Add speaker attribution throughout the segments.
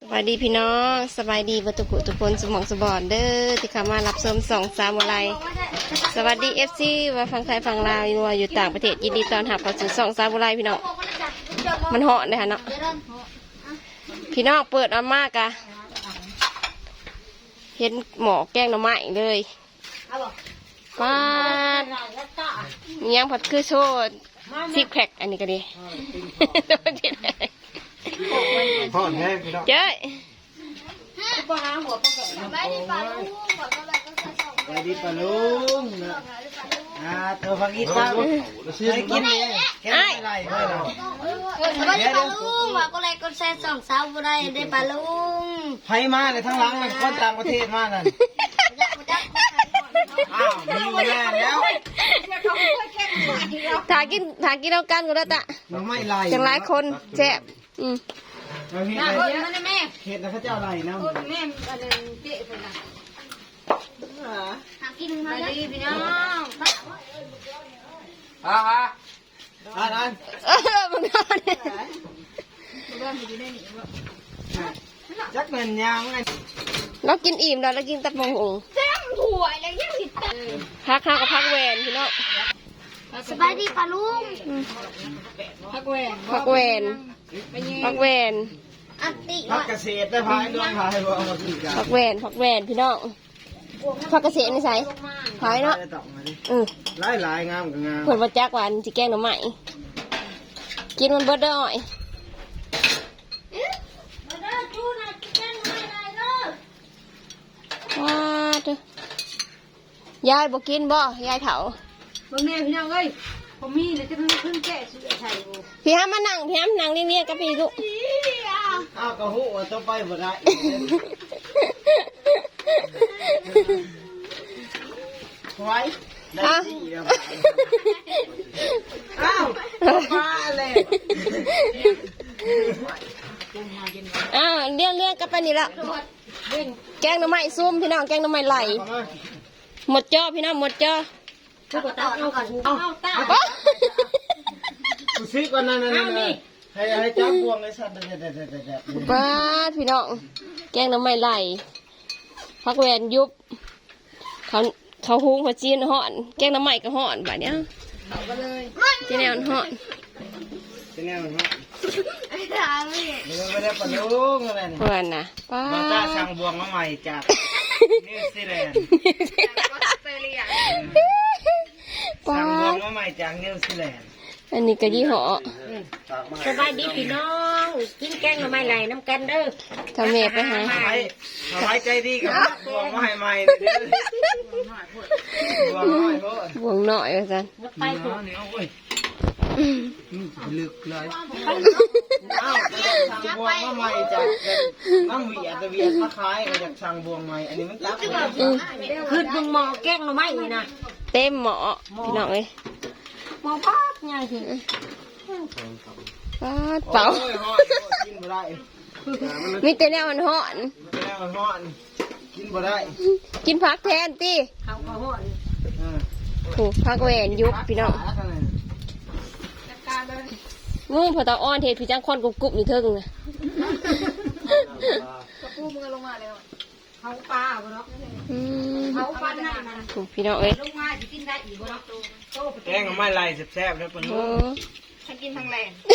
Speaker 1: สวัสดีพี่น้องสบายดีบัตุกุทุกคนสมองสบอนเด้อที่เข้ามารับชม2 3อะไรสวัสดีFCว่าฟังไทยฟังลาวอยู่ต่างประเทศยินดีต้อนรับเข้าสู่2 3อะไรพี่น้องมันเหาะเลยฮะเนาะพี่น้องเปิดออกมากะเห็นหมอแกงหน่อไม้เลยป้ายังผัดคือโชดซิกแพคอันนี้ก็ดี
Speaker 2: พ่อแท้พี่น้อง
Speaker 1: เจ้ย
Speaker 2: ไปดีปะลุงเธอฟังอีสานไปกินแค่ไรไม่เรา
Speaker 3: ไปดีปะลุงว่าก็เลยก็แซ่สองสาวบ่ได้ได้ปะลุง
Speaker 2: ไผมาเลยทั้งหลังมันคนต่างประเทศมานั่นอ้าวมีแน่แล้ว
Speaker 1: ถากินเอากันก็ได้ตะ
Speaker 2: มันไม่ไร
Speaker 1: จังหลายคนแซ่บ
Speaker 2: แล้วพี่เห็ดแล้วเขาเจ้าไรนะ
Speaker 3: กินมาดีพี่น้อง
Speaker 2: นั่น
Speaker 1: มันนอนเนี่ย
Speaker 2: จักเงินยางไง
Speaker 1: เรากินอิ่มแล้วเรากินตับมงหง
Speaker 3: แซ่บถั่วอะไรยังติดตา
Speaker 1: พักกับพักแหวนพี่น้อง
Speaker 3: สบายดีปะลุง
Speaker 1: พักแหวน
Speaker 3: อันติ
Speaker 2: พักเกษตรได้พายดวงพายว่าเอามากินกัน
Speaker 1: พักแหวนพี่น้องพักเกษตรนี่ใส่พายเนาะ
Speaker 2: หลายงามกับงาม
Speaker 1: ผลมาจากวันจีแกงหน่อไม้กินมันเบิดได้อ่อยว้าเด้อยายบอกกินบ่ยายเถา
Speaker 4: บางแม่พี่น้องเอ้ยผมมีเลยจะเพิ่งแกะสุดไทยกู
Speaker 1: พี่ห้ามมานั่งเรียกกับพี่ลูก
Speaker 2: อ้าวกระหูว่าต้องไปบ่ได้ไว้ได้สิอ้าวมาเลย
Speaker 1: เรียกกับไปนี่ละแกงหน่อไม้ซุ่มพี่น้องแกงหน่อไม้ไหลหมดจ้อพี่น้องหมดจ้อ
Speaker 4: กูก็ตาเอาก่อนเอาตา
Speaker 2: กูซื้อก่อนนั่นให้จับบวงไอ้สัตว์เด็ด
Speaker 1: ป้าพี่น้องแกงหน่อไม้ไหลพักแหวนยุบเขาหุงเขาจีนห่อนแกงหน่อไม้ก็ห่อนแบบเนี้ยจีแนวห่อน
Speaker 2: เป็นไงมันฮะ
Speaker 3: ไอ้ตาพี่
Speaker 2: ไม่ได้ปลุงอะไรนี่
Speaker 1: เพื่อนนะป้า
Speaker 2: มาจ้าสั่งบวงมาใหม่จากนิวซีแลนด์
Speaker 1: ป้า
Speaker 2: สั่งบวงมาใหม่จากนิวซีแลนด์
Speaker 1: อันนี้ก็ยี่ห้อ
Speaker 4: สบายดีพี่น้องกินแกงหน่อไม้ไหลน้ำกันเด้อ
Speaker 1: ทำเมฆไปหา
Speaker 2: ไว้ใจดีกับบวงมาให้ใหม่เด้อบวงน้อยโพด
Speaker 1: วงหน่อยว่าจัน
Speaker 4: ไปกู
Speaker 2: ลึกเลยอ้าวสั่งบวงมาใหม่จากน้ำเวียดมาขายก็จากสั่งบวงใหม่อันนี้มันจับ
Speaker 4: ขึ้นมึงมอแกงหน่อไม้นี่นะ
Speaker 1: เต็มหมอพี่น้องเอ้ย
Speaker 4: มอป๊อกไงสิ
Speaker 1: ป้าเป่า
Speaker 2: กินบ่ได้
Speaker 1: มีแต่แนวมันห่อน
Speaker 2: แล้วมันฮ้อนกินบ่ได้
Speaker 1: กินพักแทนตี
Speaker 4: เขาก็ห่อน
Speaker 1: ถูกพักแหวนยุบพี่น้องงูพอตาอ้อนเทพี่จ้างคอนกุบอยู่เทิงนะ
Speaker 4: เขาปลาบ่เนาะเขาปลาหน้านะ
Speaker 1: ถูกพี่น้องเอ้ย
Speaker 4: ลงมาจะกินได้อีกบ่เนาะโตไป
Speaker 2: แกงไม่ไรแซ่บๆนะปะนุ
Speaker 1: โอ้
Speaker 4: ฉันกินทั้งแรง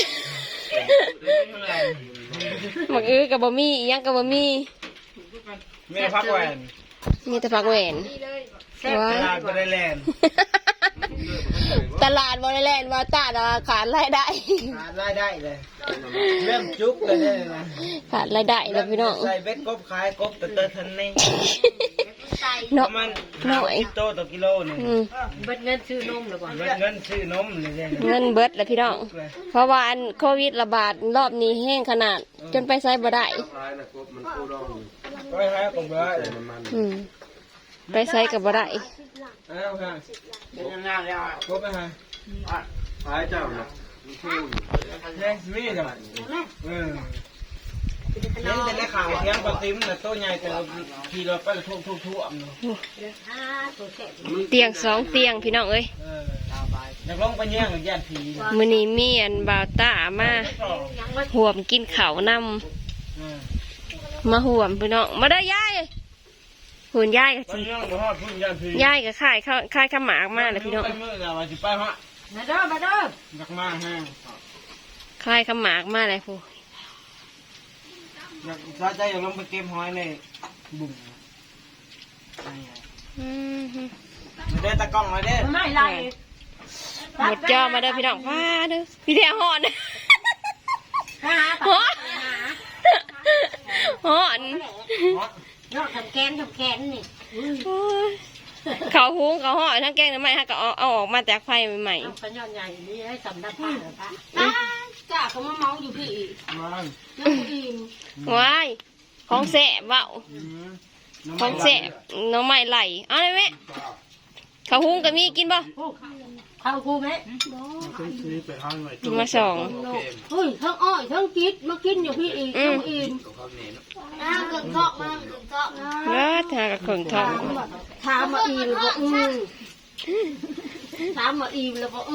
Speaker 1: หมักกับบะมี่ยังกับบะมี่
Speaker 2: ไม่ได้พักแหวน
Speaker 1: มีแต่พักแหวน
Speaker 2: ตลาดบ่ได้แลน
Speaker 1: ตลาดบริแลนด์ว่าตาดขาดรายได้
Speaker 2: ขาดรายได้เลยเริ่มจุกเลยเนี่ยนะ
Speaker 1: ขาดรายได้แล้วพี่น้อง
Speaker 2: ใส่เบ็ดกบขายกบเตอทันนี่
Speaker 1: เนาะ
Speaker 2: ประมาณ
Speaker 1: หน่อย
Speaker 2: 50 โตต่อกิโลนึง
Speaker 4: เบิดเงินซื้อนมแล้วบ่
Speaker 2: เงินซื้อนมเลยเนี่ย
Speaker 1: เงินเบิดแล้วพี่น้อง เพราะว่าอันโควิดระบาดรอบนี้แห้งขนาด จนไปไซบ่ได้
Speaker 2: ก็ให้กบได้
Speaker 1: ไปไซกับบ่ได้
Speaker 2: เอาค่ะเป็นยังไงแล้วกบไปฮะหายเจ้าเนาะเนี่ยมีจ้ะเห็นแต่ในข่าวเทียงปลาติ้มแต่ตัวใหญ่แต่ขี่รถไปทุ่ม
Speaker 1: เตียง2 เตียงพี่น้องเอ้ย
Speaker 2: อยากลงไปแย่งกับญาติผี
Speaker 1: มื้อนี้มีอันบ่าวตามาหวมกินข้าวนำมาห่วมพี่น้องมาได้อยายหุ่นยายกับ
Speaker 2: ไป
Speaker 1: สิ
Speaker 2: ยังบ่ฮอดพุ่นยันพี่
Speaker 1: ยายกับค่ายข้าวหมากมาเลยพี่น้อง
Speaker 2: ไปมื้อน่ะว่าสิไปฮะ
Speaker 4: มาเด้อมาเด้อ
Speaker 2: อยากมาแฮง
Speaker 1: ค่ายข้าวหมากมาเลยผู้
Speaker 2: อยากถ้าใจอยากลงไปเก็บหอยในบุ่ม
Speaker 1: อืม
Speaker 2: มาเด้อตะกล้องมาเด้อ
Speaker 4: ไม่ไร
Speaker 1: หมดจอมาเด้อพี่น้องว้าเด้อพี่แท้หอน
Speaker 4: หา
Speaker 1: หอนหอน
Speaker 4: นอกทำแกนนี่
Speaker 1: โอ้ยเขาหุงเขาห่อทั้งแกงน้ำไหม้ฮะก็เอาออกมาจากไฟใหม่
Speaker 4: เอาขยอนใหญ่นี่ให้สำนักผ้าเหรอคะ
Speaker 3: จ้าเขามาเมาอยู่พี่อีก
Speaker 2: มา
Speaker 3: ยังบ่อิ่ม
Speaker 1: ๆว้ายของแสบเว้าของแสบน้องใหม่ไหลเอาเลยไหมเขาหุงก็มีกินบ่
Speaker 4: เข้าครูไหม
Speaker 1: มาสอง
Speaker 3: เฮ้ยทั้งอ้อยทั้งกิ๊ดมากินอยู่พี่อีกยังบ่อิ่มเกินเกาะมาเกินเกาะ
Speaker 1: แล้วทากับเข่งทอง
Speaker 3: ถามมาอิ่มแล้วก็ถามมาอิ่มแล้วก็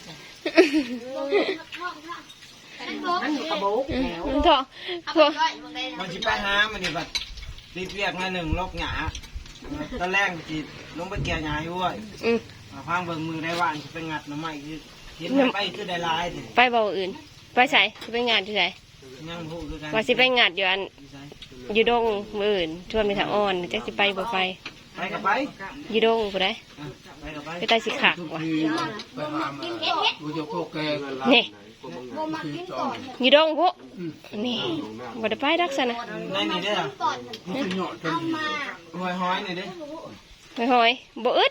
Speaker 4: มันอยู่กระโบกแล้ว
Speaker 1: มันทองพวก
Speaker 2: มันสิไปหามันนี่บัดรีบเรียกมาหนึ่งลกหยาตอนแรกสิลงไปเกี่ยวหญ้าอยู่เว้ย
Speaker 1: อืม
Speaker 2: พังเบิ่งมือได้ว่างสิไปงัดหน่อไม้คือเห็นไปคือได้หลายสิ
Speaker 1: ไปเบาอื่น ไปใส่สิไปงานที่ไหน
Speaker 2: ยังฮู้คือกัน
Speaker 1: ว่าสิไปงานอยู่อันอยู่ดงมืออื่นชวนไปทางอ่อนจักสิไปบ่ไป
Speaker 2: ไปกับไป
Speaker 1: อยู่ดงผู้ใด
Speaker 2: ไปกับไป
Speaker 1: ไปใต้สิขักว่ะนี่อยู่ดงพวกนี่บ่ได้ไปดักซะนะ
Speaker 2: ในนี่เด้อหอยนี่เด้อ
Speaker 1: ไม่หอยบ่อึด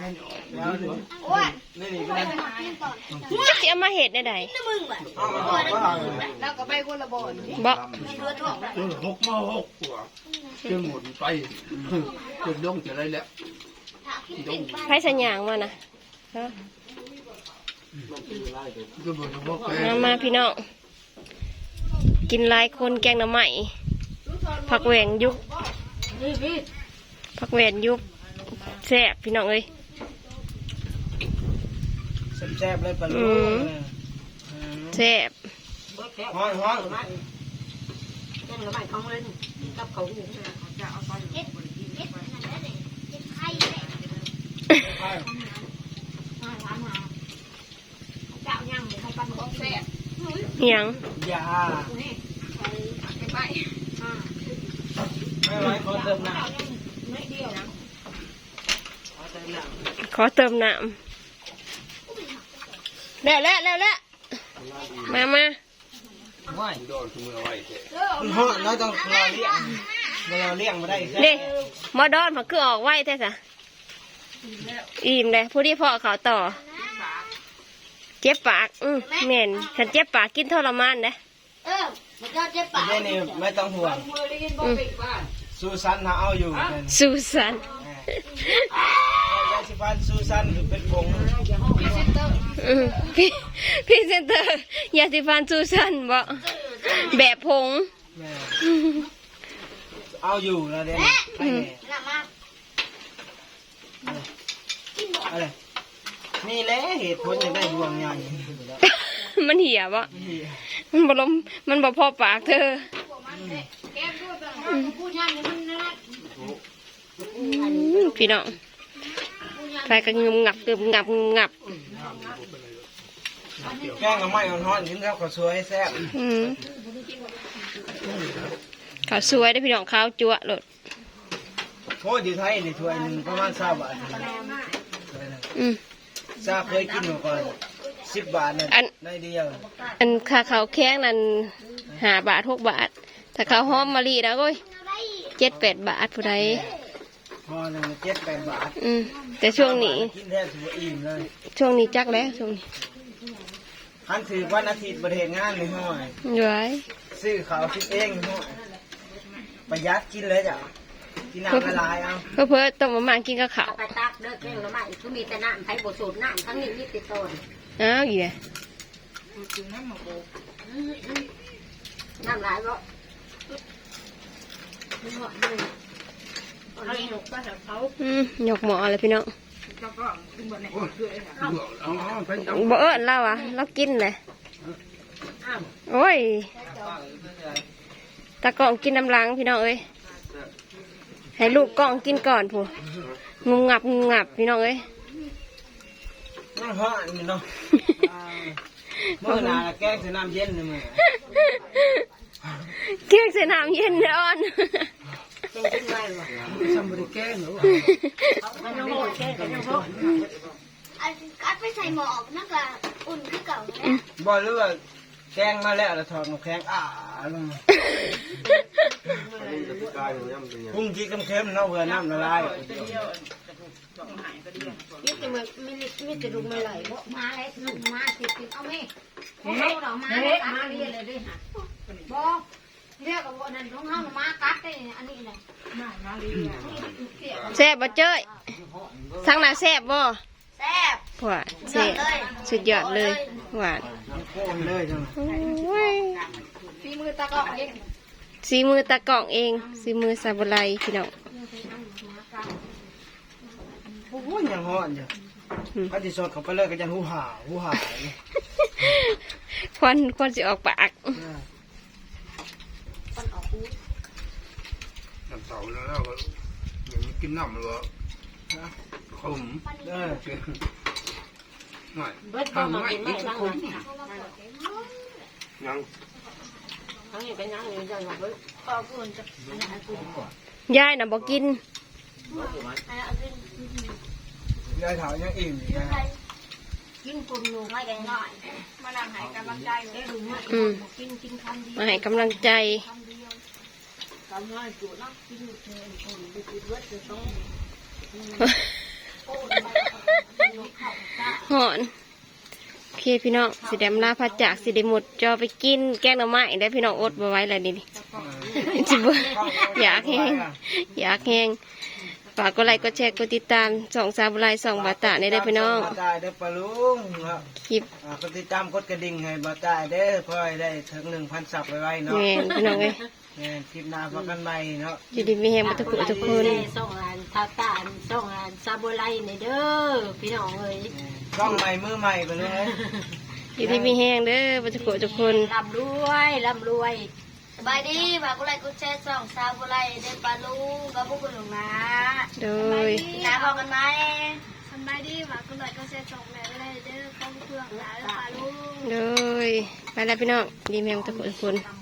Speaker 2: นี่นี่ก็ได้
Speaker 1: จักสิเอามาเฮ็ดได้ใด
Speaker 2: เอามาบอกว่า
Speaker 3: แล้วก็ไปคนละบ่อน
Speaker 1: บ่
Speaker 5: หกมาหกกว่าจะหมดไปจนย่องจะไรแล้วย่อง
Speaker 1: ไผสัญญางมานะเนาะ
Speaker 5: ก็บอกว่าแก
Speaker 1: มาพี่น้องกินหลายคนแกงหน่อไม้ผักแหวงยุบ
Speaker 4: นี่พี่
Speaker 1: ผักแหวนยุบแซ่บพี่น้องเอ้ย
Speaker 2: แซ่บๆเลยปลาลูก
Speaker 1: แซ่บ
Speaker 2: หอย
Speaker 4: แกงละไม่ของเล่นกับเขาหู
Speaker 1: เหียง
Speaker 2: ยาไม่ไหวขอเติมน้ำ
Speaker 1: ขอเติมน้ำแล้วมา
Speaker 2: ว่าย
Speaker 5: โดนขโมยไว้เถอะ
Speaker 2: มันหอยเราต้องรอเลี้ยงเราเลี้ยงมาได้
Speaker 1: เด้หมอดอนผักคือออกไว้แท้ซะอิ่มเลยผู้ที่พ่อเขาต่อ เจ็บปากเหม็นฉันเจ็บปากกินทรมานนะ
Speaker 3: มันก็เจ็บปาก
Speaker 2: ไม่นี่ไม่ต้องห่วงซูซันเขาเอาอยู่
Speaker 1: ซูซัน
Speaker 2: ยาสีฟันซูซันเป็นผง
Speaker 1: พี่เซนเตอร์ยาสีฟันซูซันบอกแบบผง
Speaker 2: เอาอยู่แล้วเดี๋ยวอะไรนี่แหละเหตุผลจะได้ดวงใหญ่
Speaker 1: มันเหี่ยบ่มันบ่ลมมันบ่พอปากเธอพี่น้องไปก็งึมงับงึมงับงึมงับ
Speaker 2: แกงกับไม้ร้อนๆกินแล้วก็สวยแซ่บ
Speaker 1: ข้าวสวยได้อพี่น้องข้าวจั่วโลด
Speaker 2: โคตรอยู่ไทยนี่ถ้วยหนึ่งประมาณ20 บาท ซาเคยกินมาก่อน10 บาทนั่นได้เดียว
Speaker 1: อันค่าข้าวแข้งนั่น5 บาท6 บาทถ้าข้าวหอมมะลิแล้วก็7-8 บาทผู้ใด
Speaker 2: พอหนึ่ง7-8 บาท
Speaker 1: แต่ช่วงนี้
Speaker 2: กินแทบถือว่าอิ่มเลย
Speaker 1: ช่วงนี้จักแล้วช่วงนี้
Speaker 2: คันถือวันอาทิตย์ประเทศงานในห้อย
Speaker 1: อยู่ไว้
Speaker 2: ซื้อข้าวคิดเองในห้อยประหยัดกินเลยจ้ะกินน้ำละลายเอา
Speaker 1: เพื่อต้มมาม่ากินกับข้าว
Speaker 4: ไปตักเด้อแกงละไม่คือมีแต่น้ำไทยบดสูตรน้ำทั้งนี้มีติดต้น
Speaker 1: อ้าวอีก
Speaker 4: น้ำหลายบ่
Speaker 1: หยกหมออะไรพี่น้อง
Speaker 5: เอาไปเอา
Speaker 1: บ่เอิ้นเราเรากินเลยโอ้ยตากล้องกินน้ำล้างพี่น้องเอ้ยให้ลูกกล้องกินก่อนผู้งุมงับพี่น้องเอ้ย
Speaker 2: น้ำฮ้อนนี่เนาะเมื่อนาแกงใส่น้ำเย็นเลยมึง
Speaker 1: เค้กใส่น้ำเย็นร้อน
Speaker 5: ทำบริแกงหรือว่า
Speaker 3: อัดไปใส่หม้อนั่นก็อุ่นคือเก่าเลย
Speaker 2: บอกเลยว่าแกงมาแล้วถอดน้ำแข็งลงพุ่งจีเค็มๆเนาะเพื่อน้ำละลาย
Speaker 3: นี่จะมีจะลุกไม่ไหลเพราะมาแล้วลุกมาติดเอาไหมเขาเรามาเรียเลยด้วยฮะบอกเรียกกับวันนั้นของเขามากัดได้อันนี้เลย
Speaker 1: แซ่บบ่เจ้ยทั้งหน้าแซ่บบ่
Speaker 3: แซ่บ
Speaker 1: หวานแซ่บสุดยอดเลยหวาน
Speaker 2: โค้งเลยจัง
Speaker 1: โอ้ย
Speaker 3: ฝีมือตะกอกเอง
Speaker 1: สีมือตากล่องเองสีมือซาบุไรพี่น้อง
Speaker 2: โอ้ยยังฮ้อนจ้ะก็จะสดเข้าไปเลยก็จะหูห่า
Speaker 1: ควันสิออกปาก
Speaker 5: น้ำเสาแล้วก็อย่างนี้กินน้ำหรือว่าขมไม่ทำไม่กินขมยัง
Speaker 1: ยายน่ะบอกกิน
Speaker 2: ยายถามยังอิ่มอยู่ยาย
Speaker 3: กินกลุ่มหนูไม่กันหน่อยมานั่งให้กำลังใจได้หรือไม่กินคำเดียว
Speaker 1: มาให้กำลังใจ
Speaker 3: ทำให้จุดนักกินเงินคนดูดูด้วยจะต้อง
Speaker 1: หอนโอเคพี่น้องสิเดมลาพัดจากสิเดหมดจอไปกินแกงหน่อไม้ได้พี่น้องอดบ่ไหว้แล้วนี่จิบอยากแห้งฝากกดไลค์กดแชร์กดติดตามส่องซาบุไรส่องบาตาในได้พี่น้อง
Speaker 2: บาตาเด้อปลาลุงครับ
Speaker 1: คลิป
Speaker 2: กดติดตามกดกระดิ่งให้บาตาเด้อเพื่อให้ได้ถึง 1,000 ซับไว้เนาะ
Speaker 1: แม่นพี่น้องเอ้ย
Speaker 2: คลิปหน้าพบกันใหม่เนาะ
Speaker 1: อยู่ดีมีแห้งมาทุกคนทุกคน
Speaker 4: ส่งงานทาตานส่งงานซาโบไลในเด้อพี่น้องเอ้ย
Speaker 2: ช่องใหม่มือใหม่ไปเลย
Speaker 1: อยู่ดีมีแห้งเด้อมาทุกคนทุกคน
Speaker 4: ร่ำรวย
Speaker 3: สบายดีฝากกุไลกุแช่ส่องซาบุไลได้ปลาลุงกับพวกคุณหลวงนะ
Speaker 1: โดย
Speaker 3: นะบอกกันไหมสบายดีฝากกุไลกุแช่ส่องแม่ได้เด้อข้าวเพื่อนนะปลาลุง
Speaker 1: โดยไปแล้วพี่น้องดีแม่งทุกคนทุกคน